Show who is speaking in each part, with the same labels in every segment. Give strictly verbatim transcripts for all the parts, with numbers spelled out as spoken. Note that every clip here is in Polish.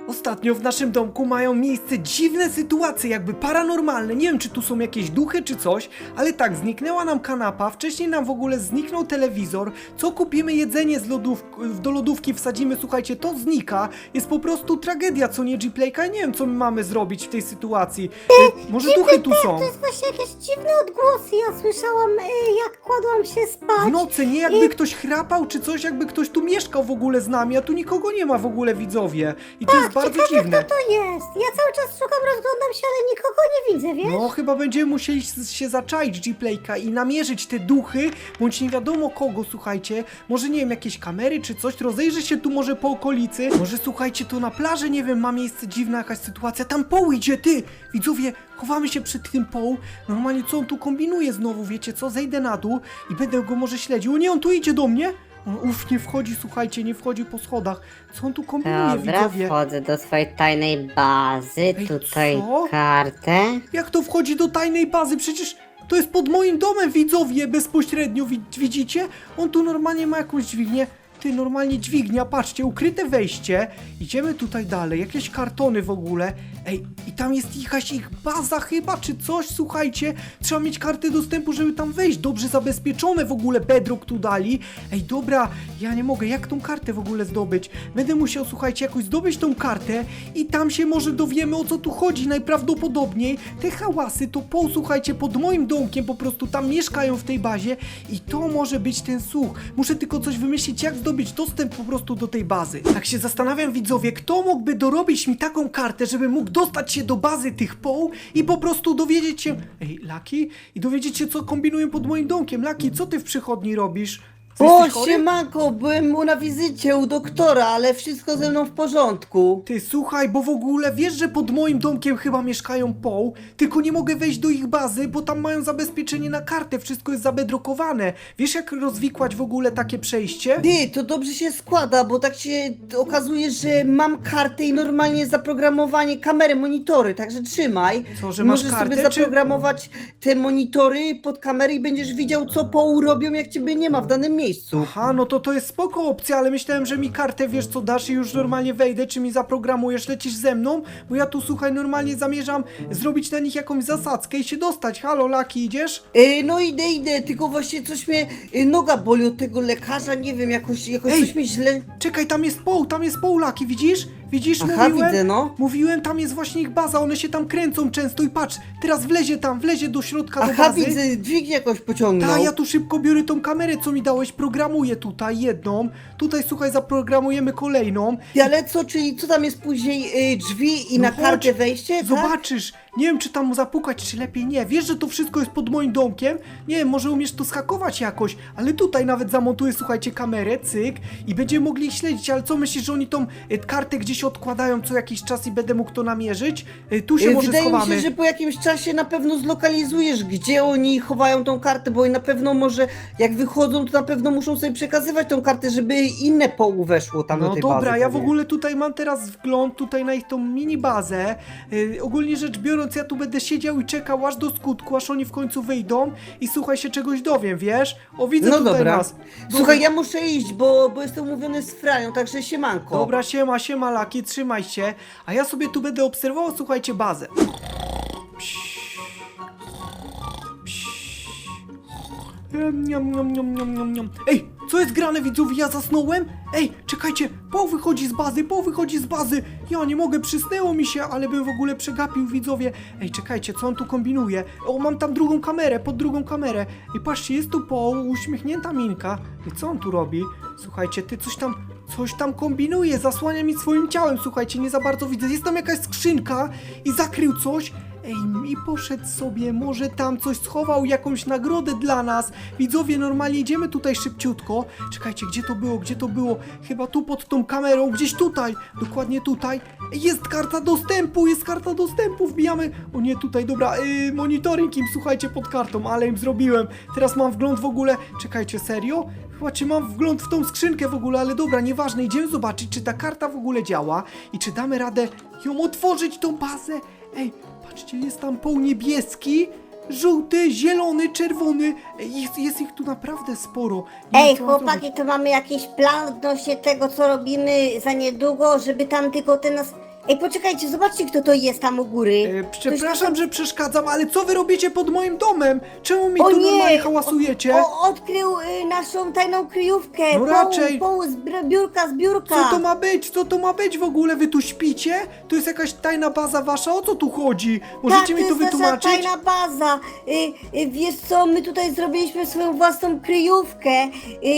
Speaker 1: Ostatnio w naszym domku mają miejsce dziwne sytuacje, jakby paranormalne. Nie wiem, czy tu są jakieś duchy, czy coś, ale tak, zniknęła nam kanapa, wcześniej nam w ogóle zniknął telewizor. Co kupimy jedzenie z lodów do lodówki, wsadzimy, słuchajcie, to znika. Jest po prostu tragedia, co nie, G-Playka? Nie wiem, co my mamy zrobić w tej sytuacji. E, może duchy tu są?
Speaker 2: To jest właśnie jakieś dziwne odgłosy. Ja słyszałam, y, jak kładłam się spać.
Speaker 1: W nocy, nie jakby ktoś chrapał, czy coś, jakby ktoś tu mieszkał w ogóle z nami, a tu nikogo nie ma w ogóle, widzowie. I to jest bardzo
Speaker 2: Ciekawe,
Speaker 1: dziwne.
Speaker 2: kto to jest. Ja cały czas szukam, rozglądam się, ale nikogo nie widzę, wiesz?
Speaker 1: No, chyba będziemy musieli s- się zaczaić, G-Playka, i namierzyć te duchy, bądź nie wiadomo kogo, słuchajcie. Może, nie wiem, jakieś kamery czy coś, rozejrzy się tu może po okolicy. Może, słuchajcie, to na plaży, nie wiem, ma miejsce dziwna jakaś sytuacja. Tam Poł idzie, ty! Widzowie, chowamy się przed tym Poł. Normalnie, co on tu kombinuje znowu, wiecie co? Zejdę na dół i będę go może śledził. O nie, on tu idzie do mnie! On, uff, nie wchodzi, słuchajcie, nie wchodzi po schodach. Co on tu kombinuje,
Speaker 3: Dobra,
Speaker 1: widzowie?
Speaker 3: wchodzę do swojej tajnej bazy. Tutaj
Speaker 1: co?
Speaker 3: kartę.
Speaker 1: Jak to wchodzi do tajnej bazy? Przecież to jest pod moim domem, widzowie, bezpośrednio, wi widzicie? On tu normalnie ma jakąś dźwignię. Ty, normalnie dźwignia, patrzcie, ukryte wejście. Idziemy tutaj dalej, jakieś kartony w ogóle. Ej, i tam jest jakaś ich baza chyba, czy coś, słuchajcie. Trzeba mieć kartę dostępu, żeby tam wejść. Dobrze zabezpieczone w ogóle, bedrock tu dali. Ej, dobra, ja nie mogę, jak tą kartę w ogóle zdobyć? Będę musiał, słuchajcie, jakoś zdobyć tą kartę i tam się może dowiemy, o co tu chodzi. Najprawdopodobniej te hałasy to Poł, słuchajcie, pod moim domkiem, po prostu tam mieszkają w tej bazie i to może być ten słuch. Muszę tylko coś wymyślić, jak zdobyć dostęp po prostu do tej bazy. Tak się zastanawiam, widzowie, kto mógłby dorobić mi taką kartę, żeby mógł dostać się do bazy tych Poł i po prostu dowiedzieć się... Ej, Lucky? I dowiedzieć się, co kombinują pod moim domkiem. Lucky, co ty w przychodni robisz?
Speaker 4: O,
Speaker 1: Jesteś chory?
Speaker 4: siemanko, byłem mu na wizycie u doktora, ale wszystko ze mną w porządku.
Speaker 1: Ty, słuchaj, bo w ogóle wiesz, że pod moim domkiem chyba mieszkają Poł, tylko nie mogę wejść do ich bazy, bo tam mają zabezpieczenie na kartę, wszystko jest zabedrokowane. Wiesz, jak rozwikłać w ogóle takie przejście?
Speaker 4: Ty, to dobrze się składa, bo tak się okazuje, że mam kartę i normalnie zaprogramowanie kamery, monitory, także trzymaj.
Speaker 1: Co, że masz
Speaker 4: Możesz
Speaker 1: kartę,
Speaker 4: sobie
Speaker 1: czy-
Speaker 4: zaprogramować te monitory pod kamery i będziesz widział, co poł robią, jak ciebie nie ma w danym miejscu.
Speaker 1: Aha, no to to jest spoko opcja, ale myślałem, że mi kartę, wiesz co, dasz i już normalnie wejdę, czy mi zaprogramujesz, lecisz ze mną? Bo ja tu, słuchaj, normalnie zamierzam zrobić na nich jakąś zasadzkę i się dostać. Halo, Lucky, idziesz?
Speaker 4: E, no idę, idę, tylko właśnie coś mnie, e, noga boli od tego lekarza, nie wiem, jakoś, jakoś
Speaker 1: Ej!
Speaker 4: coś mnie źle...
Speaker 1: Czekaj, tam jest Poł, tam jest Poł, Lucky, widzisz? Widzisz,
Speaker 4: Aha,
Speaker 1: mówiłem?
Speaker 4: widzę, no.
Speaker 1: Mówiłem, tam jest właśnie ich baza, one się tam kręcą często i patrz, teraz wlezie tam, wlezie do środka do
Speaker 4: Aha,
Speaker 1: bazy.
Speaker 4: widzę, dźwignię jakoś pociągnął.
Speaker 1: Tak, ja tu szybko biorę tą kamerę, co mi dałeś, programuję tutaj jedną, tutaj, słuchaj, zaprogramujemy kolejną.
Speaker 4: Ty, ale co, czyli co tam jest później, y, drzwi i
Speaker 1: No
Speaker 4: na
Speaker 1: chodź,
Speaker 4: kartę wejście, tak?
Speaker 1: Zobaczysz, nie wiem, czy tam mu zapukać, czy lepiej nie. Wiesz, że to wszystko jest pod moim domkiem? Nie wiem, może umiesz to schakować jakoś, ale tutaj nawet zamontuję, słuchajcie, kamerę, cyk, i będziemy mogli ich śledzić, ale co myślisz, że oni tą y, kartę gdzieś odkładają co jakiś czas i będę mógł to namierzyć? Y, tu się
Speaker 4: Y,
Speaker 1: może
Speaker 4: Wydaje
Speaker 1: schowamy.
Speaker 4: mi się, że po jakimś czasie na pewno zlokalizujesz, gdzie oni chowają tą kartę, bo na pewno może, jak wychodzą, to na pewno muszą sobie przekazywać tą kartę, żeby inne połu weszło tam do
Speaker 1: No
Speaker 4: tej
Speaker 1: dobra,
Speaker 4: bazy.
Speaker 1: ja w
Speaker 4: pewnie.
Speaker 1: ogóle tutaj mam teraz wgląd tutaj na ich tą mini bazę. Yy, ogólnie rzecz biorąc, ja tu będę siedział i czekał aż do skutku, aż oni w końcu wyjdą i słuchaj, się czegoś dowiem, wiesz? O, widzę
Speaker 4: No
Speaker 1: tutaj
Speaker 4: dobra.
Speaker 1: nas.
Speaker 4: Słuchaj, ja muszę iść, bo, bo jestem umówiony z Frają, także siemanko.
Speaker 1: Dobra, siema, siema, Laki, trzymaj się. A ja sobie tu będę obserwował, słuchajcie, bazę. Niam, niam, niam, niam, niam, niam. Ej, co jest grane, widzowie? Ja zasnąłem? Ej, czekajcie, Poł wychodzi z bazy, Poł wychodzi z bazy. Ja nie mogę, przysnęło mi się, ale bym w ogóle przegapił, widzowie. Ej, czekajcie, co on tu kombinuje? O, mam tam drugą kamerę, pod drugą kamerę. I patrzcie, jest tu Poł, uśmiechnięta minka. I co on tu robi? Słuchajcie, ty coś tam, coś tam kombinuje, zasłania mi swoim ciałem, słuchajcie, nie za bardzo widzę. Jest tam jakaś skrzynka i zakrył coś. Ej, i poszedł sobie, może tam coś schował, jakąś nagrodę dla nas. Widzowie, normalnie idziemy tutaj szybciutko. Czekajcie, gdzie to było, gdzie to było? Chyba tu pod tą kamerą, gdzieś tutaj, dokładnie tutaj. Ej, jest karta dostępu, jest karta dostępu, wbijamy. O nie, tutaj, dobra, yy, monitoring im, słuchajcie, pod kartą, ale im zrobiłem. Teraz mam wgląd w ogóle, czekajcie, serio? Chyba czy mam wgląd w tą skrzynkę w ogóle, ale dobra, nieważne, idziemy zobaczyć, czy ta karta w ogóle działa i czy damy radę ją otworzyć, tą bazę. Ej, patrzcie, jest tam Poł niebieski, żółty, zielony, czerwony. Ej, Jest, jest ich tu naprawdę sporo. Nie
Speaker 2: Ej,
Speaker 1: wiem, co mam
Speaker 2: chłopaki,
Speaker 1: zrobić.
Speaker 2: to mamy jakiś plan odnośnie tego, co robimy za niedługo, żeby tam tylko te nas Ej, poczekajcie, zobaczcie, kto to jest tam u góry.
Speaker 1: E, przepraszam, że przeszkadzam, ale co wy robicie pod moim domem? Czemu mi
Speaker 2: O
Speaker 1: tu
Speaker 2: nie!
Speaker 1: normalnie hałasujecie?
Speaker 2: O, odkrył y, naszą tajną kryjówkę.
Speaker 1: No
Speaker 2: Poł-
Speaker 1: raczej.
Speaker 2: Poł z br- biurka, z biurka.
Speaker 1: Co to ma być? Co to ma być w ogóle? Wy tu śpicie? To jest jakaś tajna baza wasza? O co tu chodzi? Możecie
Speaker 2: tak,
Speaker 1: mi to
Speaker 2: jest nasza
Speaker 1: wytłumaczyć?
Speaker 2: tajna baza. Y, y, wiesz co, my tutaj zrobiliśmy swoją własną kryjówkę. Y,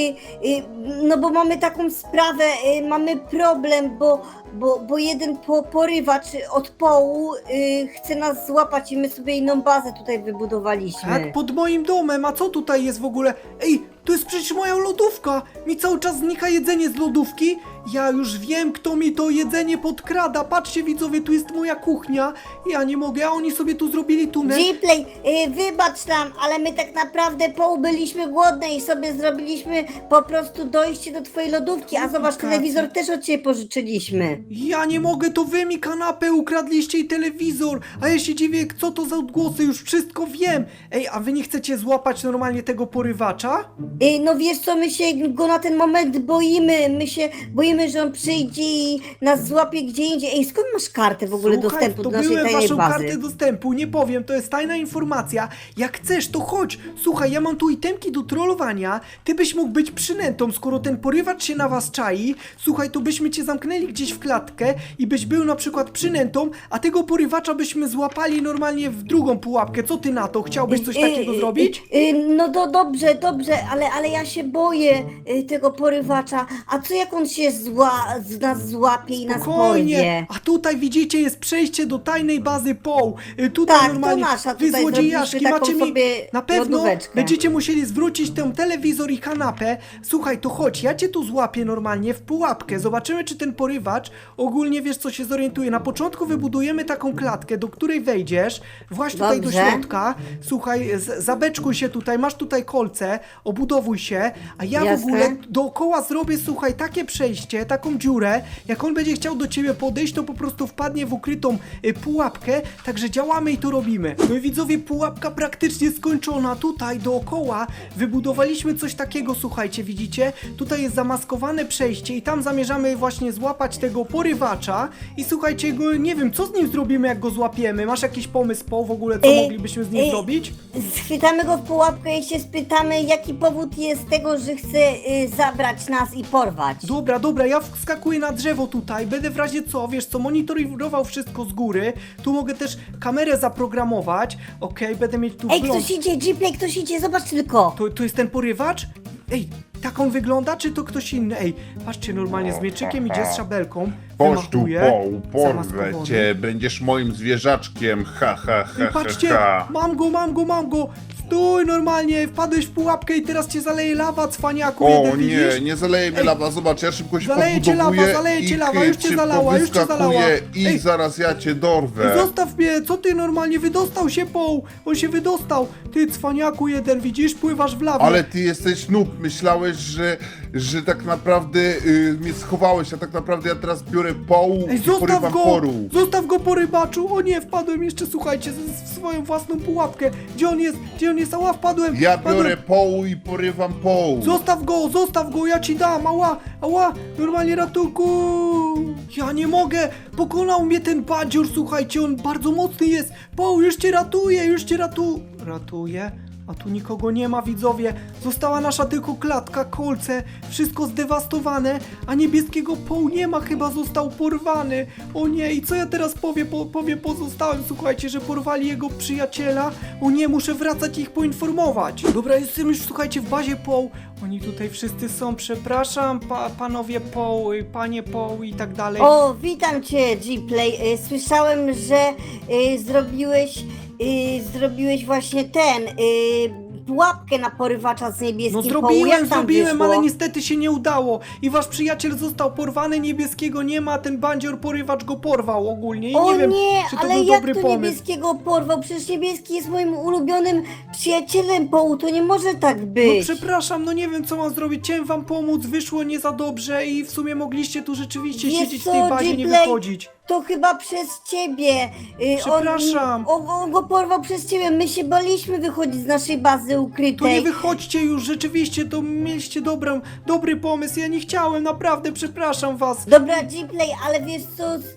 Speaker 2: y, no bo mamy taką sprawę, y, mamy problem, bo, bo, bo jeden po, porywacz od połu y, chce nas złapać i my sobie inną bazę tutaj wybudowaliśmy.
Speaker 1: Tak, pod moim domem, a co tutaj jest w ogóle? Ej, to jest przecież moja lodówka! Mi cały czas znika jedzenie z lodówki. Ja już wiem, kto mi to jedzenie podkrada. Patrzcie widzowie, tu jest moja kuchnia. Ja nie mogę, a oni sobie tu zrobili tunel.
Speaker 2: Gplay, y, wybacz nam, ale my tak naprawdę poł byliśmy głodne i sobie zrobiliśmy po prostu dojście do twojej lodówki, a zobacz,
Speaker 1: Racja.
Speaker 2: telewizor też od ciebie pożyczyliśmy.
Speaker 1: Ja nie mogę, to wy mi kanapę ukradliście i telewizor. A ja się dziwię, co to za odgłosy, już wszystko wiem. Ej, a wy nie chcecie złapać normalnie tego porywacza?
Speaker 2: Y, no wiesz co, my się go na ten moment boimy, my się boimy, że on przyjdzie i nas złapie gdzie indziej. Ej, skąd masz kartę w ogóle
Speaker 1: Słuchaj,
Speaker 2: dostępu do naszej
Speaker 1: zdobyłem
Speaker 2: tajnej
Speaker 1: waszą
Speaker 2: bazy?
Speaker 1: kartę dostępu, nie powiem, to jest tajna informacja. Jak chcesz, to chodź. Słuchaj, ja mam tu itemki do trollowania. Ty byś mógł być przynętą, skoro ten porywacz się na was czai. Słuchaj, to byśmy cię zamknęli gdzieś w klatkę i byś był na przykład przynętą, a tego porywacza byśmy złapali normalnie w drugą pułapkę. Co ty na to? Chciałbyś coś
Speaker 2: Y,
Speaker 1: takiego
Speaker 2: y,
Speaker 1: zrobić?
Speaker 2: y, y, no do, dobrze, dobrze, ale, ale ja się boję y, tego porywacza. A co jak on się zła, z nas złapie i nas
Speaker 1: Spokojnie,
Speaker 2: porwie?
Speaker 1: a tutaj widzicie jest przejście do tajnej bazy Poł. Y, Tutaj
Speaker 2: Tak, to
Speaker 1: normalnie
Speaker 2: nasza,
Speaker 1: wy
Speaker 2: tutaj
Speaker 1: złodziejaszki
Speaker 2: zrobiliśmy taką
Speaker 1: macie mi
Speaker 2: sobie
Speaker 1: na pewno
Speaker 2: lodóweczkę.
Speaker 1: będziecie musieli zwrócić ten telewizor i kanapę. Słuchaj, to chodź, ja cię tu złapię normalnie w pułapkę. Zobaczymy, czy ten porywacz ogólnie wiesz, co się zorientuje. Na początku wybudujemy taką klatkę, do której wejdziesz. Właśnie tutaj
Speaker 2: Dobrze.
Speaker 1: do środka. Słuchaj, z- zabeczkuj się tutaj, masz tutaj kolce, obudowuj się, a ja w
Speaker 2: Jasne.
Speaker 1: ogóle dookoła zrobię, słuchaj, takie przejście, taką dziurę. Jak on będzie chciał do ciebie podejść, to po prostu wpadnie w ukrytą y, pułapkę. Także działamy i to robimy. No i widzowie, pułapka praktycznie skończona. Tutaj dookoła wybudowaliśmy coś takiego, słuchajcie, widzicie? Tutaj jest zamaskowane przejście i tam zamierzamy właśnie złapać tego porywacza. I słuchajcie, go, nie wiem, co z nim zrobimy, jak go złapiemy. Masz jakiś pomysł, po w ogóle, co
Speaker 2: Y,
Speaker 1: moglibyśmy z nim
Speaker 2: y,
Speaker 1: zrobić?
Speaker 2: Schwytamy go w pułapkę i się spytamy, jaki powód jest tego, że chce y, zabrać nas i porwać.
Speaker 1: Dobra, dobra, ja wskakuję na drzewo tutaj, będę w razie co, wiesz co, monitorował wszystko z góry, tu mogę też kamerę zaprogramować, okej, będę mieć tu
Speaker 2: Ej,
Speaker 1: wgląd.
Speaker 2: ktoś idzie, Gplay, ktoś idzie, zobacz tylko.
Speaker 1: To, to jest ten porywacz? Ej, tak on wygląda, czy to ktoś inny? Ej, patrzcie, normalnie z mieczykiem idzie z szabelką,
Speaker 5: Chodź tu,
Speaker 1: wymachuje,
Speaker 5: Poł, porwę
Speaker 1: zamaskowany.
Speaker 5: cię, będziesz moim zwierzaczkiem, ha, ha, ha,
Speaker 1: Ej,
Speaker 5: ha,
Speaker 1: patrzcie,
Speaker 5: ha.
Speaker 1: mam go, mam go, mam go, stój normalnie, wpadłeś w pułapkę i teraz cię zaleje lawa, cwaniaku,
Speaker 5: O
Speaker 1: jeden,
Speaker 5: nie,
Speaker 1: widzisz?
Speaker 5: nie zaleje mnie
Speaker 1: Ej,
Speaker 5: lawa, zobacz, ja szybko się
Speaker 1: zaleje cię
Speaker 5: podbudowuję
Speaker 1: lawa, zaleje cię
Speaker 5: i
Speaker 1: lawa, już cię
Speaker 5: szybko
Speaker 1: zalała, już cię
Speaker 5: wyskakuję
Speaker 1: zalała.
Speaker 5: i
Speaker 1: Ej.
Speaker 5: zaraz ja cię dorwę.
Speaker 1: Zostaw mnie, co ty normalnie, wydostał się Poł, on się wydostał, ty cwaniaku jeden, widzisz, pływasz w lawie.
Speaker 5: Ale ty jesteś noob, myślałeś, że, że tak naprawdę y, mnie schowałeś, a tak naprawdę ja teraz biorę poł
Speaker 1: Ej,
Speaker 5: i
Speaker 1: zostaw
Speaker 5: porywam
Speaker 1: go,
Speaker 5: poru.
Speaker 1: zostaw go po rybaczu, o nie, wpadłem jeszcze, słuchajcie, z- w swoją własną pułapkę, gdzie on jest, gdzie on jest, ała, wpadłem,
Speaker 5: Ja
Speaker 1: wpadłem.
Speaker 5: biorę poł i porywam poł.
Speaker 1: Zostaw go, zostaw go, ja ci dam, ała, ała, normalnie ratunku. Ja nie mogę, pokonał mnie ten badzior, słuchajcie, on bardzo mocny jest. Poł, już cię ratuje, już cię ratu... Ratuje? A tu nikogo nie ma, widzowie. Została nasza tylko klatka, kolce, wszystko zdewastowane, a niebieskiego Poł nie ma, chyba został porwany. O nie, i co ja teraz powiem, po, powiem pozostałym, słuchajcie, że porwali jego przyjaciela. O nie, muszę wracać i ich poinformować. Dobra, jestem już, słuchajcie, w bazie Poł. Oni tutaj wszyscy są, przepraszam, pa, panowie Poł, y, panie Poł i tak dalej.
Speaker 2: O, witam cię, Gplay. Y, Słyszałem, że y, zrobiłeś, y, zrobiłeś właśnie ten, y, pułapkę na porywacza z niebieskim
Speaker 1: No
Speaker 2: połu.
Speaker 1: zrobiłem,
Speaker 2: Jak tam
Speaker 1: zrobiłem,
Speaker 2: wyszło?
Speaker 1: ale niestety się nie udało. I wasz przyjaciel został porwany, niebieskiego nie ma, ten bandzior porywacz go porwał ogólnie. I
Speaker 2: O
Speaker 1: nie wiem,
Speaker 2: nie,
Speaker 1: czy to
Speaker 2: ale
Speaker 1: był
Speaker 2: jak
Speaker 1: dobry
Speaker 2: to
Speaker 1: pomysł.
Speaker 2: niebieskiego porwał? Przecież niebieski jest moim ulubionym przyjacielem połu, to nie może tak
Speaker 1: No
Speaker 2: być.
Speaker 1: przepraszam, no nie wiem co mam zrobić, chciałem wam pomóc, wyszło nie za dobrze i w sumie mogliście tu rzeczywiście
Speaker 2: Wiesz
Speaker 1: siedzieć w
Speaker 2: co,
Speaker 1: tej bazie, nie
Speaker 2: Gplay?
Speaker 1: wychodzić.
Speaker 2: to chyba przez ciebie. Y,
Speaker 1: Przepraszam.
Speaker 2: On, on, on go porwał przez ciebie. My się baliśmy wychodzić z naszej bazy
Speaker 1: To nie
Speaker 2: ukrytej.
Speaker 1: wychodźcie już, rzeczywiście, to mieliście dobrą, dobry pomysł, ja nie chciałem, naprawdę, przepraszam was.
Speaker 2: Dobra, Gplay, ale wiesz co, y,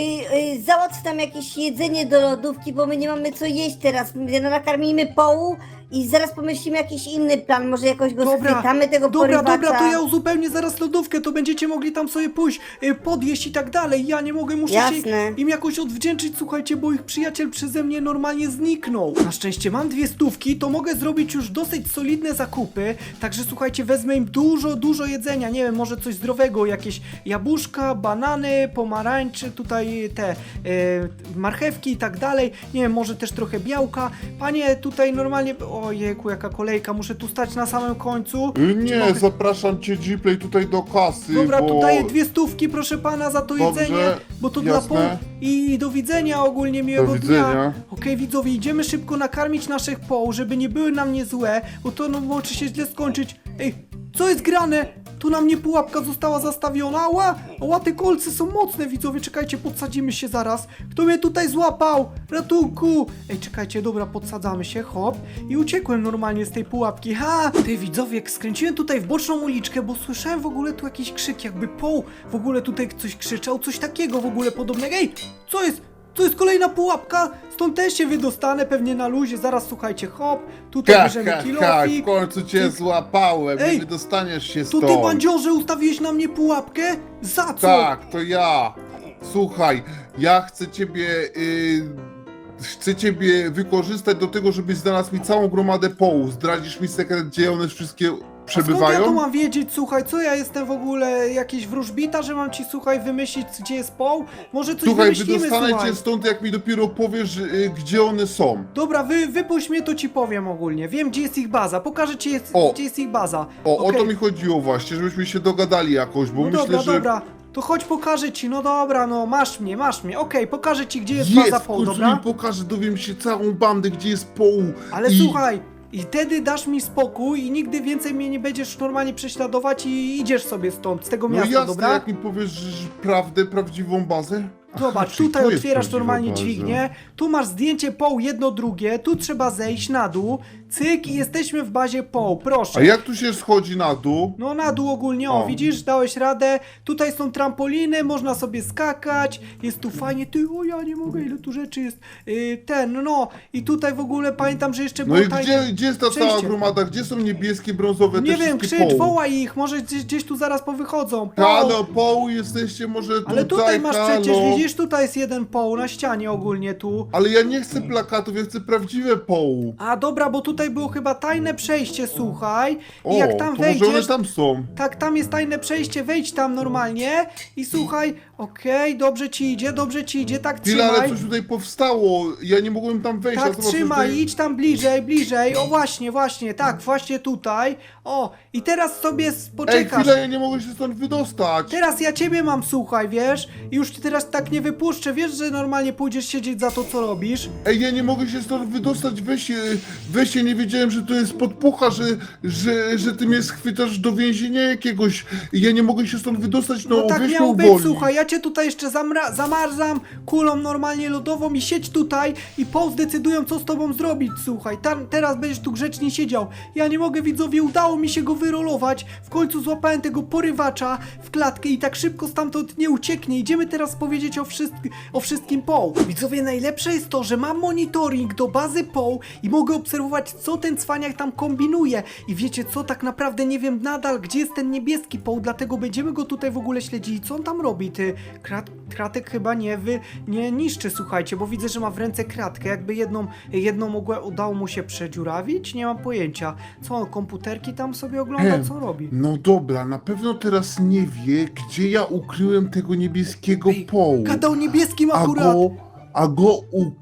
Speaker 2: y, załatw tam jakieś jedzenie do lodówki, bo my nie mamy co jeść teraz. My nakarmimy połu i zaraz pomyślimy jakiś inny plan. Może jakoś go
Speaker 1: Dobra,
Speaker 2: schwytamy, tego
Speaker 1: Dobra,
Speaker 2: porywacza.
Speaker 1: dobra, to ja uzupełnię zaraz lodówkę, to będziecie mogli tam sobie pójść, y, podjeść i tak dalej. Ja nie mogę, muszę
Speaker 2: Jasne.
Speaker 1: się im jakoś odwdzięczyć, słuchajcie, bo ich przyjaciel przeze mnie normalnie zniknął. Na szczęście mam dwie stówki, to mogę zrobić już dosyć solidne zakupy, także słuchajcie, wezmę im dużo, dużo jedzenia, nie wiem, może coś zdrowego, jakieś jabłuszka, banany, pomarańcze, tutaj te y, marchewki i tak dalej, nie wiem, może też trochę białka. Panie, tutaj normalnie, ojejku, jaka kolejka, muszę tu stać na samym końcu.
Speaker 5: Y,
Speaker 1: Czy
Speaker 5: Nie,
Speaker 1: mogę-
Speaker 5: zapraszam cię Gplay tutaj do kasy,
Speaker 1: Dobra,
Speaker 5: bo...
Speaker 1: tu daję dwie stówki, proszę pana, za to
Speaker 5: Dobrze,
Speaker 1: jedzenie, bo to
Speaker 5: jasne.
Speaker 1: dla pół. I do widzenia ogólnie, miłego
Speaker 5: Do
Speaker 1: dnia.
Speaker 5: widzenia.
Speaker 1: Okej, widzowie, idziemy szybko nakarmić naszych poł, żeby nie były nam nie złe, bo to no, może się źle skończyć. Ej, co jest grane? Tu na mnie pułapka została zastawiona. Ała, ała, te kolce są mocne, widzowie, czekajcie, podsadzimy się zaraz. Kto mnie tutaj złapał? Ratunku! Ej, czekajcie, dobra, podsadzamy się, hop. I uciekłem normalnie z tej pułapki. Ha! Ty, widzowie, skręciłem tutaj w boczną uliczkę, bo słyszałem w ogóle tu jakiś krzyk, jakby poł w ogóle tutaj coś krzyczał, coś takiego w ogóle podobnego. Ej, co jest? To jest kolejna pułapka, stąd też się wydostanę pewnie na luzie, zaraz słuchajcie, hop, tutaj
Speaker 5: Ha,
Speaker 1: bierzemy
Speaker 5: ha, ha, w
Speaker 1: kilofik.
Speaker 5: końcu cię
Speaker 1: Ty-
Speaker 5: złapałem,
Speaker 1: Ej,
Speaker 5: nie wydostaniesz się
Speaker 1: To
Speaker 5: stąd.
Speaker 1: ty, bandziorze, ustawiłeś na mnie pułapkę? Za co?
Speaker 5: Tak, to ja. Słuchaj, ja chcę ciebie... y, chcę ciebie wykorzystać do tego, żebyś znalazł mi całą gromadę połów. Zdradzisz mi sekret, gdzie one wszystkie
Speaker 1: A skąd
Speaker 5: przebywają?
Speaker 1: ja to mam wiedzieć, słuchaj, co ja jestem w ogóle, jakiś wróżbita, że mam ci, słuchaj, wymyślić, gdzie jest poł? Może coś
Speaker 5: Słuchaj,
Speaker 1: wymyślimy,
Speaker 5: wydostanę
Speaker 1: słuchaj.
Speaker 5: cię stąd, jak mi dopiero powiesz, y, gdzie one są.
Speaker 1: Dobra, wy, wypuść mnie, to ci powiem ogólnie. Wiem, gdzie jest ich baza. Pokażę ci, jest,
Speaker 5: O.
Speaker 1: gdzie jest ich baza.
Speaker 5: O, o
Speaker 1: Okej.
Speaker 5: to mi chodziło właśnie, żebyśmy się dogadali jakoś, bo
Speaker 1: No
Speaker 5: myślę,
Speaker 1: dobra,
Speaker 5: że...
Speaker 1: dobra. To chodź, pokażę ci. No dobra, no masz mnie, masz mnie. Okej, pokażę ci, gdzie jest,
Speaker 5: Jest,
Speaker 1: baza
Speaker 5: w
Speaker 1: poł,
Speaker 5: końcu
Speaker 1: dobra?
Speaker 5: mi pokażę, dowiem się całą bandę, gdzie jest poł.
Speaker 1: Ale
Speaker 5: I...
Speaker 1: słuchaj, i wtedy dasz mi spokój i nigdy więcej mnie nie będziesz normalnie prześladować i idziesz sobie stąd, z tego
Speaker 5: No
Speaker 1: miasta,
Speaker 5: jasne,
Speaker 1: dobra?
Speaker 5: jak mi powiesz że prawdę, prawdziwą bazę?
Speaker 1: Zobacz,
Speaker 5: Aha, czyli
Speaker 1: tutaj
Speaker 5: to jest
Speaker 1: otwierasz
Speaker 5: prawdziwa
Speaker 1: normalnie
Speaker 5: baza.
Speaker 1: dźwignię, tu masz zdjęcie poł jedno drugie, tu trzeba zejść na dół, cyk i jesteśmy w bazie poł, proszę.
Speaker 5: A jak tu się schodzi na dół?
Speaker 1: No na dół ogólnie, o,
Speaker 5: O.
Speaker 1: widzisz, dałeś radę, tutaj są trampoliny, można sobie skakać, jest tu fajnie, ty, o ja nie mogę, ile tu rzeczy jest, yy, ten, no, i tutaj w ogóle pamiętam, że jeszcze
Speaker 5: No
Speaker 1: było
Speaker 5: i
Speaker 1: tajne-
Speaker 5: gdzie, gdzie jest ta cała
Speaker 1: przejście.
Speaker 5: gromada? Gdzie są niebieskie, brązowe,
Speaker 1: Nie
Speaker 5: te
Speaker 1: wiem,
Speaker 5: wszystkie
Speaker 1: krzycz,
Speaker 5: poł?
Speaker 1: wołaj ich, może gdzieś, gdzieś tu zaraz powychodzą.
Speaker 5: Halo, poł, jesteście może tutaj,
Speaker 1: Ale tutaj masz
Speaker 5: halo?
Speaker 1: przecież, widzisz, tutaj jest jeden poł na ścianie ogólnie tu.
Speaker 5: Ale ja nie chcę plakatów, ja chcę prawdziwe poł.
Speaker 1: A dobra, bo tutaj było chyba tajne przejście, słuchaj.
Speaker 5: O,
Speaker 1: I jak tam
Speaker 5: to może one
Speaker 1: wejdziesz,
Speaker 5: tam są.
Speaker 1: tak, tam jest tajne przejście, wejdź tam normalnie i słuchaj, okej, dobrze ci idzie, dobrze ci idzie, tak
Speaker 5: Chwila, ale
Speaker 1: trzymaj.
Speaker 5: coś tutaj powstało, ja nie mogłem tam wejść. a
Speaker 1: Tak,
Speaker 5: zobacz, coś
Speaker 1: trzymaj,
Speaker 5: tutaj-
Speaker 1: idź tam bliżej, bliżej, o właśnie, właśnie, tak, właśnie tutaj. O, i teraz sobie s-
Speaker 5: Ej,
Speaker 1: poczekasz.
Speaker 5: chwila, ja nie mogę się stąd wydostać.
Speaker 1: Teraz ja ciebie mam, słuchaj, wiesz? I już cię teraz tak nie wypuszczę, wiesz, że normalnie pójdziesz siedzieć za to, co robisz?
Speaker 5: Ej, ja nie mogę się stąd wydostać, weź się, weź się, nie wiedziałem, że to jest podpucha, że, że, że ty mnie schwytasz do więzienia jakiegoś. Ja nie mogę się stąd wydostać, no,
Speaker 1: No tak
Speaker 5: weź mnie
Speaker 1: miało być,
Speaker 5: uwolnij.
Speaker 1: słuchaj, ja cię tutaj jeszcze zamra- zamarzam kulą normalnie lodową i siedź tutaj i po zdecydują, co z tobą zrobić, słuchaj. Tam, teraz będziesz tu grzecznie siedział. Ja nie mogę, widzowie, udało mi się go wyrolować. W końcu złapałem tego porywacza w klatkę i tak szybko stamtąd nie ucieknie. Idziemy teraz powiedzieć o, wszystk- o wszystkim poł. Widzowie, najlepsze jest to, że mam monitoring do bazy poł i mogę obserwować, co ten cwaniak tam kombinuje. I wiecie co, tak naprawdę nie wiem nadal, gdzie jest ten niebieski poł, dlatego będziemy go tutaj w ogóle śledzili. Co on tam robi? Ty, krat, kratek chyba nie wy, nie niszczy, słuchajcie, bo widzę, że ma w ręce kratkę. Jakby jedną, jedną mogła, udało mu się przedziurawić? Nie mam pojęcia. Co on, komputerki tam sobie ogląda?
Speaker 5: Em,
Speaker 1: Co robi?
Speaker 5: No dobra, na pewno teraz nie wie, gdzie ja ukryłem tego niebieskiego
Speaker 1: Ej,
Speaker 5: połu.
Speaker 1: gadał niebieskim
Speaker 5: A
Speaker 1: akurat.
Speaker 5: go, a go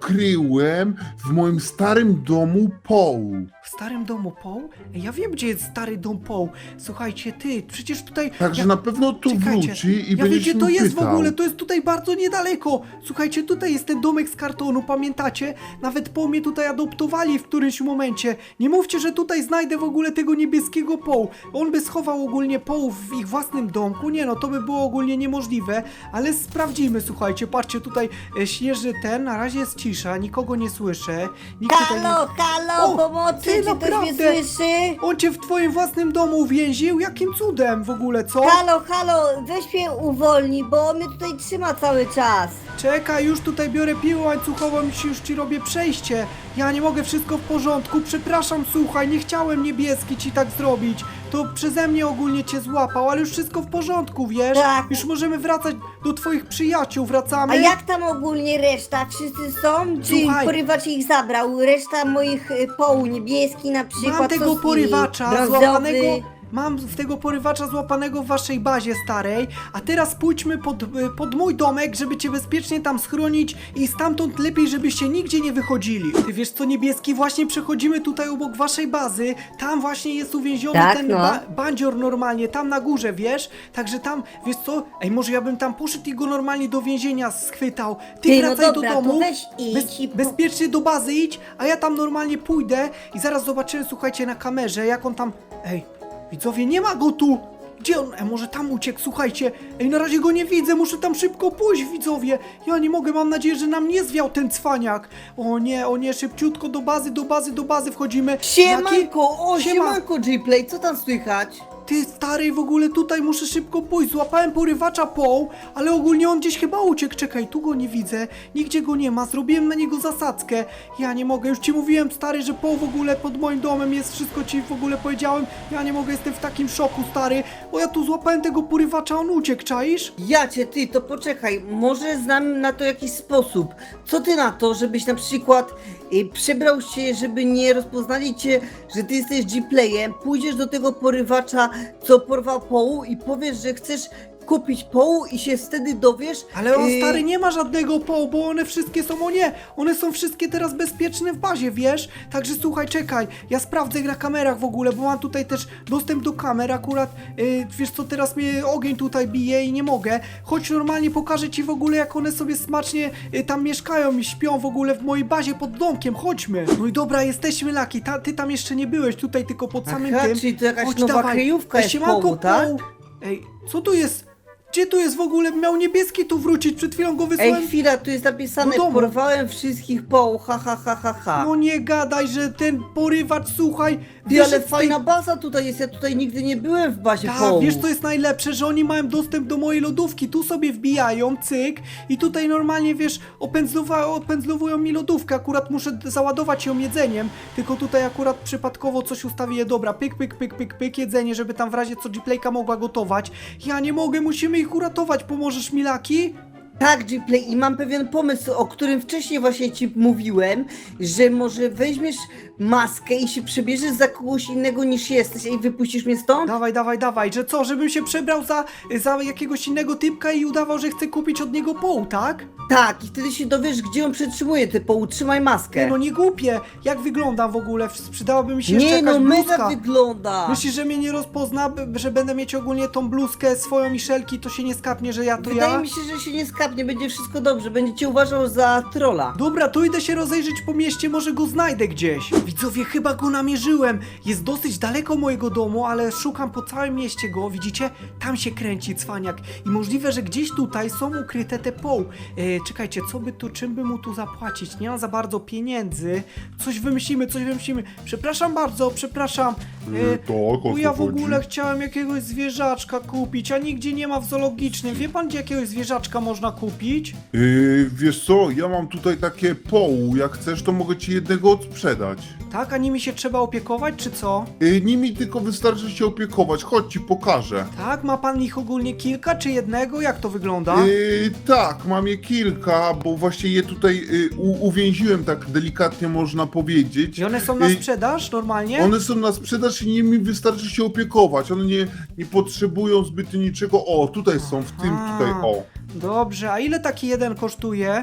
Speaker 5: ukryłem w moim starym domu Poł.
Speaker 1: W starym domu Poł? Ej, ja wiem, gdzie jest stary dom Poł. Słuchajcie, ty, przecież tutaj...
Speaker 5: Także
Speaker 1: ja-
Speaker 5: na pewno tu
Speaker 1: Czekajcie,
Speaker 5: wróci i
Speaker 1: ja
Speaker 5: będzie
Speaker 1: wiecie,
Speaker 5: się
Speaker 1: to jest w
Speaker 5: pytał.
Speaker 1: ogóle, to jest tutaj bardzo niedaleko. Słuchajcie, tutaj jest ten domek z kartonu, pamiętacie? Nawet po mnie tutaj adoptowali w którymś momencie. Nie mówcie, że tutaj znajdę w ogóle tego niebieskiego Poł. On by schował ogólnie Poł w ich własnym domku. Nie no, to by było ogólnie niemożliwe, ale sprawdzimy, słuchajcie. Patrzcie, tutaj e, śnieżny ten, na razie jest cisza, nikogo nie słyszę. Nikt tutaj nie...
Speaker 2: Halo, halo,
Speaker 1: O,
Speaker 2: pomocy,
Speaker 1: ty,
Speaker 2: czy ktoś mnie
Speaker 1: naprawdę?
Speaker 2: słyszy?
Speaker 1: On cię w twoim własnym domu uwięził? Jakim cudem w ogóle, co?
Speaker 2: Halo, halo, weź mnie uwolnij, bo on mnie tutaj trzyma cały czas.
Speaker 1: Czekaj, już tutaj biorę piłę łańcuchową i ci- już ci robię przejście. Ja nie mogę, wszystko w porządku. Przepraszam, słuchaj, nie chciałem niebieski ci tak zrobić. To przeze mnie ogólnie cię złapał, ale już wszystko w porządku, wiesz?
Speaker 2: Tak.
Speaker 1: Już możemy wracać do twoich przyjaciół, wracamy.
Speaker 2: A jak tam ogólnie reszta? Wszyscy są? Czy
Speaker 1: Słuchaj.
Speaker 2: porywacz ich zabrał? Reszta moich y, poł niebieski na przykład?
Speaker 1: Mam
Speaker 2: co
Speaker 1: tego
Speaker 2: z nimi?
Speaker 1: porywacza
Speaker 2: Brązowy?
Speaker 1: złapanego. Mam w tego porywacza złapanego w waszej bazie starej, a teraz pójdźmy pod, y, pod mój domek, żeby cię bezpiecznie tam schronić i stamtąd lepiej, żebyście nigdzie nie wychodzili. Ty wiesz co, niebieski, właśnie przechodzimy tutaj obok waszej bazy, tam właśnie jest uwięziony
Speaker 3: Tak,
Speaker 1: ten
Speaker 3: no.
Speaker 1: ba bandzior normalnie, tam na górze, wiesz? Także tam, wiesz co, ej, może ja bym tam poszedł i go normalnie do więzienia schwytał. Ty,
Speaker 2: Ty, no
Speaker 1: wracaj
Speaker 2: dobra,
Speaker 1: do
Speaker 2: to
Speaker 1: domu,
Speaker 2: weź idź
Speaker 1: bez,
Speaker 2: i po-
Speaker 1: bezpiecznie do bazy idź, a ja tam normalnie pójdę i zaraz zobaczymy, słuchajcie, na kamerze, jak on tam... Ej, widzowie, nie ma go tu! Gdzie on? E, może tam uciekł, słuchajcie. Ej, na razie go nie widzę, muszę tam szybko pójść, widzowie. Ja nie mogę, mam nadzieję, że nam nie zwiał ten cwaniak. O nie, o nie, szybciutko do bazy, do bazy, do bazy wchodzimy. Jaki-
Speaker 4: Siemanko, o
Speaker 1: Siema.
Speaker 4: siemanko J-Play, co tam słychać?
Speaker 1: Ty stary, w ogóle tutaj muszę szybko pójść. Złapałem porywacza Poł, ale ogólnie on gdzieś chyba uciekł. Czekaj, tu go nie widzę, nigdzie go nie ma. Zrobiłem na niego zasadzkę. Ja nie mogę, już ci mówiłem stary, że Poł w ogóle pod moim domem jest. Wszystko ci w ogóle powiedziałem. Ja nie mogę, jestem w takim szoku, stary. Bo ja tu złapałem tego porywacza, on uciekł, czaisz?
Speaker 4: Ja cię, ty, to poczekaj, może znam na to jakiś sposób. Co ty na to, żebyś na przykład y, przebrał się, żeby nie rozpoznali cię, że ty jesteś G-Playem, pójdziesz do tego porywacza, co porwał Połu i powiesz, że chcesz kupić Połu i się wtedy dowiesz.
Speaker 1: Ale on
Speaker 4: y,
Speaker 1: stary nie ma żadnego Poł, bo one wszystkie są, o nie, one są wszystkie teraz bezpieczne w bazie, wiesz? Także słuchaj, czekaj, ja sprawdzę na kamerach w ogóle, bo mam tutaj też dostęp do kamer, akurat, yy, wiesz co, teraz mnie ogień tutaj bije i nie mogę. Chodź normalnie, pokażę ci w ogóle, jak one sobie smacznie yy, tam mieszkają i śpią w ogóle w mojej bazie pod domkiem, chodźmy. No i dobra, jesteśmy, Laki, ta, ty tam jeszcze nie byłeś, tutaj tylko pod samym
Speaker 4: Aha,
Speaker 1: tym.
Speaker 4: czyli to jakaś
Speaker 1: Chodź,
Speaker 4: nowa
Speaker 1: dawaj.
Speaker 4: kryjówka
Speaker 1: Ej,
Speaker 4: jest
Speaker 1: siemanko,
Speaker 4: Połu, tak?
Speaker 1: Poł. Ej, co tu jest? Gdzie tu jest w ogóle? Miał niebieski tu wrócić, przed chwilą go wysłałem.
Speaker 4: Ej, chwila, tu jest napisane,
Speaker 1: Do domu.
Speaker 4: porwałem wszystkich Połu, ha ha ha ha ha.
Speaker 1: No nie gadaj, że ten porywacz, słuchaj,
Speaker 4: Ty,
Speaker 1: wiesz,
Speaker 4: ale
Speaker 1: że w tej-
Speaker 4: fajna baza tutaj jest, ja tutaj nigdy nie byłem w bazie
Speaker 1: Tak,
Speaker 4: Połu.
Speaker 1: wiesz co jest najlepsze, że oni mają dostęp do mojej lodówki, tu sobie wbijają, cyk, i tutaj normalnie, wiesz, opędzlowa- opędzlowują mi lodówkę, akurat muszę d- załadować ją jedzeniem, tylko tutaj akurat przypadkowo coś ustawię, dobra, pyk, pyk, pyk, pyk, pyk, jedzenie, żeby tam w razie co G-Playka mogła gotować. Ja nie mogę, musimy ich uratować, pomożesz mi, Laki?
Speaker 4: Tak, G-Play, i mam pewien pomysł, o którym wcześniej właśnie ci mówiłem, że może weźmiesz maskę i się przebierzesz za kogoś innego niż jesteś i wypuścisz mnie stąd?
Speaker 1: Dawaj, dawaj, dawaj, że co, żebym się przebrał za, za jakiegoś innego typka i udawał, że chcę kupić od niego Poł, tak?
Speaker 4: Tak, i wtedy się dowiesz, gdzie on przetrzymuje te Połu, trzymaj maskę.
Speaker 1: Nie, no nie głupie. Jak wyglądam w ogóle? Przydałaby mi się jeszcze
Speaker 4: Nie,
Speaker 1: jakaś
Speaker 4: no
Speaker 1: bluzka.
Speaker 4: mega wygląda.
Speaker 1: Myślisz, że mnie nie rozpozna, b- że będę mieć ogólnie tą bluzkę swoją i szelki, to się nie skapnie, że ja to
Speaker 4: Wydaje
Speaker 1: ja?
Speaker 4: mi się, że się nie skapnie, będzie wszystko dobrze, będzie cię uważał za trolla.
Speaker 1: Dobra, to idę się rozejrzeć po mieście, może go znajdę gdzieś. Widzowie, chyba go namierzyłem. Jest dosyć daleko mojego domu, ale szukam po całym mieście go, widzicie? Tam się kręci cwaniak. I możliwe, że gdzieś tutaj są ukryte te Poł. E, czekajcie, co by tu, czym by mu tu zapłacić? Nie mam za bardzo pieniędzy. Coś wymyślimy, coś wymyślimy. Przepraszam bardzo, przepraszam.
Speaker 5: Yy, tak, o
Speaker 1: bo
Speaker 5: co
Speaker 1: ja w
Speaker 5: chodzi?
Speaker 1: ogóle chciałem jakiegoś zwierzaczka kupić, a nigdzie nie ma w zoologicznym. Wie pan, gdzie jakiegoś zwierzaczka można kupić?
Speaker 5: Yy, wiesz co, ja mam tutaj takie Poł, jak chcesz, to mogę ci jednego odsprzedać.
Speaker 1: Tak, a nimi się trzeba opiekować, czy co?
Speaker 5: Yy, nimi tylko wystarczy się opiekować, chodź ci pokażę.
Speaker 1: Tak, ma pan ich ogólnie kilka, czy jednego? Jak to wygląda?
Speaker 5: Yy, tak, mam je kilka, bo właśnie je tutaj yy, u, uwięziłem, tak delikatnie można powiedzieć.
Speaker 1: I one są na
Speaker 5: Yy,
Speaker 1: sprzedaż normalnie?
Speaker 5: One są na sprzedaż i nimi wystarczy się opiekować. One nie, nie potrzebują zbyt niczego. O, tutaj są, w tym
Speaker 1: Aha.
Speaker 5: tutaj, o.
Speaker 1: Dobrze, a ile taki jeden kosztuje?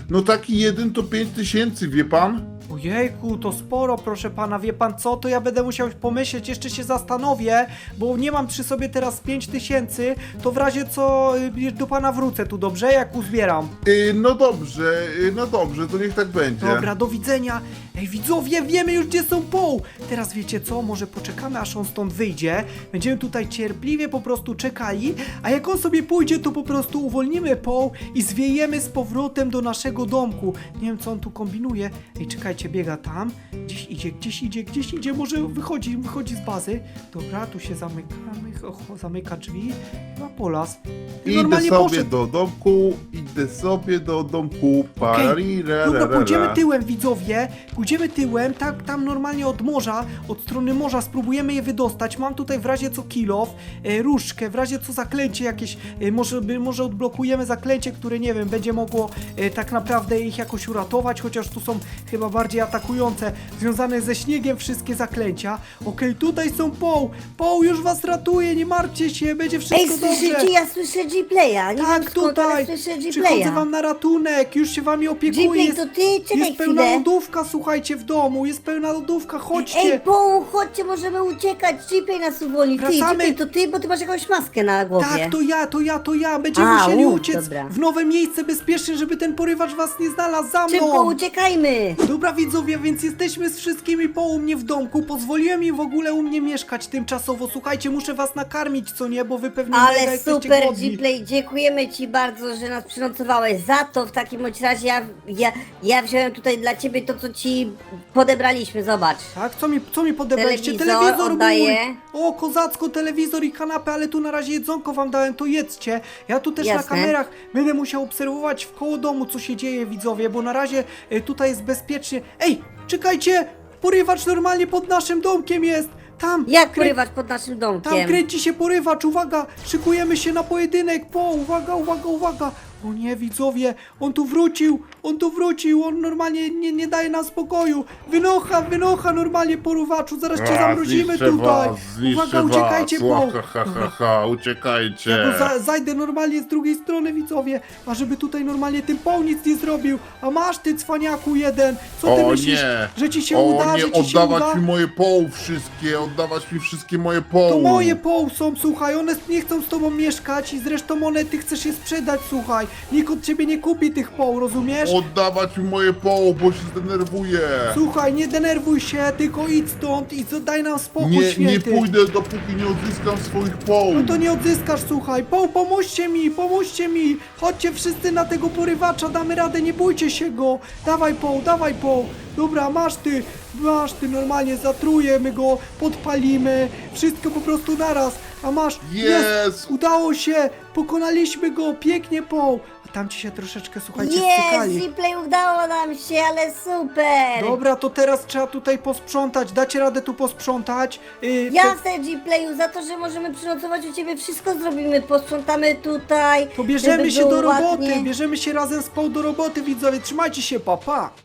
Speaker 5: No taki jeden to pięć tysięcy, wie pan?
Speaker 1: Ojejku, to sporo, proszę pana, wie pan co, to ja będę musiał pomyśleć, jeszcze się zastanowię, bo nie mam przy sobie teraz pięć tysięcy, to w razie co y, do pana wrócę tu, dobrze, jak uzbieram.
Speaker 5: Y, no dobrze, y, no dobrze, to niech tak będzie.
Speaker 1: Dobra, do widzenia. Ej, widzowie, wiemy już, gdzie są Paul. Teraz wiecie co, może poczekamy, aż on stąd wyjdzie. Będziemy tutaj cierpliwie po prostu czekali, a jak on sobie pójdzie, to po prostu uwolnimy Paul i zwiejemy z powrotem do naszego domku. Nie wiem, co on tu kombinuje. Ej, czekajcie, biega tam. Gdzieś idzie, gdzieś idzie, gdzieś idzie. Może wychodzi, wychodzi z bazy. Dobra, tu się zamykamy. Oho, zamyka drzwi. Chyba Polas.
Speaker 5: Idę
Speaker 1: Normalnie
Speaker 5: sobie
Speaker 1: poszedł.
Speaker 5: do domku, idę sobie do domku,
Speaker 1: Okej, dobra,
Speaker 5: okay.
Speaker 1: pójdziemy tyłem, widzowie, pójdziemy tyłem, tak, tam normalnie od morza, od strony morza, spróbujemy je wydostać. Mam tutaj w razie co kilof, e, różdżkę, w razie co zaklęcie jakieś, e, może, by, może odblokujemy zaklęcie, które, nie wiem, będzie mogło e, tak naprawdę ich jakoś uratować, chociaż tu są chyba bardziej atakujące, związane ze śniegiem wszystkie zaklęcia. Okej, tutaj są Paul, Paul już was ratuje, nie martwcie się, będzie wszystko
Speaker 2: Ej,
Speaker 1: dobrze.
Speaker 2: słyszycie? Ja słyszę G-Playa. Nie
Speaker 1: Tak,
Speaker 2: wiem skąd, ale
Speaker 1: tutaj,
Speaker 2: słyszę
Speaker 1: przychodzę
Speaker 2: G-Playa.
Speaker 1: wam na ratunek, już się wami opiekuję.
Speaker 2: G-Play,
Speaker 1: Jest,
Speaker 2: to ty? Czekaj
Speaker 1: jest pełna
Speaker 2: chwilę.
Speaker 1: lodówka, słuchajcie, w domu, jest pełna lodówka, chodźcie.
Speaker 2: Ej, Paul, chodźcie, możemy uciekać. G-Play nas uwolni. Ty,
Speaker 1: Wracamy.
Speaker 2: G-Play, to ty, bo ty masz jakąś maskę na głowie.
Speaker 1: Tak, to ja, to ja, to ja, będziemy
Speaker 2: A,
Speaker 1: musieli
Speaker 2: u,
Speaker 1: uciec
Speaker 2: dobra.
Speaker 1: w nowe miejsce bezpieczne, żeby ten porywacz was nie znalazł, za
Speaker 2: Szybko
Speaker 1: mną.
Speaker 2: uciekajmy.
Speaker 1: Dobra widzowie, więc jesteśmy z wszystkimi po u mnie w domku, pozwoliłem im w ogóle u mnie mieszkać tymczasowo, słuchajcie, muszę was nakarmić, co nie, bo wy pewnie mega
Speaker 2: Ale
Speaker 1: jesteście
Speaker 2: super,
Speaker 1: głodni.
Speaker 2: G-Play, dziękujemy ci bardzo, że nas przynocowałeś. Za to w takim bądź razie ja, ja, ja wziąłem tutaj dla ciebie to, co ci podebraliśmy, zobacz.
Speaker 1: Tak, co mi, co mi podebraliście?
Speaker 2: Telewizor oddaję.
Speaker 1: mój! O, kozacko, telewizor i kanapę, ale tu na razie jedzonko wam dałem, to jedzcie. Ja tu też
Speaker 2: Jasne.
Speaker 1: na kamerach będę musiał obserwować w koło domu, co się dzieje, widzowie, bo na razie y, tutaj jest bezpiecznie. Ej, czekajcie! Porywacz normalnie pod naszym domkiem jest! Tam!
Speaker 2: Jak
Speaker 1: krę-
Speaker 2: porywać pod naszym
Speaker 1: Tam
Speaker 2: domkiem?
Speaker 1: kręci się porywacz, uwaga! Szykujemy się na pojedynek, po, uwaga, uwaga, uwaga! O nie, widzowie, on tu wrócił, on tu wrócił, on normalnie nie, nie daje nam spokoju. Wynocha, wynocha normalnie porywaczu, zaraz cię zamrozimy
Speaker 5: zniszczę
Speaker 1: tutaj.
Speaker 5: was, zniszczę
Speaker 1: Uwaga, uciekajcie,
Speaker 5: was.
Speaker 1: po.
Speaker 5: Ła, ha, ha, ha, ha, uciekajcie.
Speaker 1: Ja go za, zajdę normalnie z drugiej strony, widzowie, a żeby tutaj normalnie ten Paul nic nie zrobił. A masz ty, cwaniaku jeden, co ty
Speaker 5: O
Speaker 1: myślisz,
Speaker 5: nie,
Speaker 1: że ci się
Speaker 5: o
Speaker 1: uda,
Speaker 5: nie,
Speaker 1: że ci się
Speaker 5: oddawać
Speaker 1: uda?
Speaker 5: mi moje poł wszystkie, oddawać mi wszystkie moje poł.
Speaker 1: To moje Paul są, słuchaj, one nie chcą z tobą mieszkać i zresztą one, ty chcesz je sprzedać, słuchaj. Nikt od ciebie nie kupi tych Paul, rozumiesz?
Speaker 5: Oddawać mi moje poł, bo się zdenerwuję.
Speaker 1: Słuchaj, nie denerwuj się, tylko idź stąd i co- daj nam spokój,
Speaker 5: Nie, nie
Speaker 1: święty.
Speaker 5: pójdę, dopóki nie odzyskam swoich poł.
Speaker 1: No to nie odzyskasz, słuchaj. Po, pomóżcie mi, pomóżcie mi. Chodźcie wszyscy na tego porywacza, damy radę, nie bójcie się go. Dawaj Paul, dawaj Paul. Dobra, masz ty, masz ty, normalnie zatrujemy go, podpalimy. Wszystko po prostu naraz. A masz,
Speaker 5: Jest!
Speaker 1: udało się, pokonaliśmy go, pięknie Paul. A tam ci się troszeczkę, słuchajcie,
Speaker 2: Jest,
Speaker 1: stykali.
Speaker 2: G-Play, udało nam się, ale super.
Speaker 1: Dobra, to teraz trzeba tutaj posprzątać. Dacie radę tu posprzątać? Yy, to-
Speaker 2: Jasne, G-Playu, za to, że możemy przynocować u ciebie, wszystko zrobimy, posprzątamy tutaj.
Speaker 1: To bierzemy
Speaker 2: żeby
Speaker 1: się do
Speaker 2: było
Speaker 1: roboty,
Speaker 2: ładnie.
Speaker 1: bierzemy się razem z Paul do roboty, widzowie, trzymajcie się, pa, pa!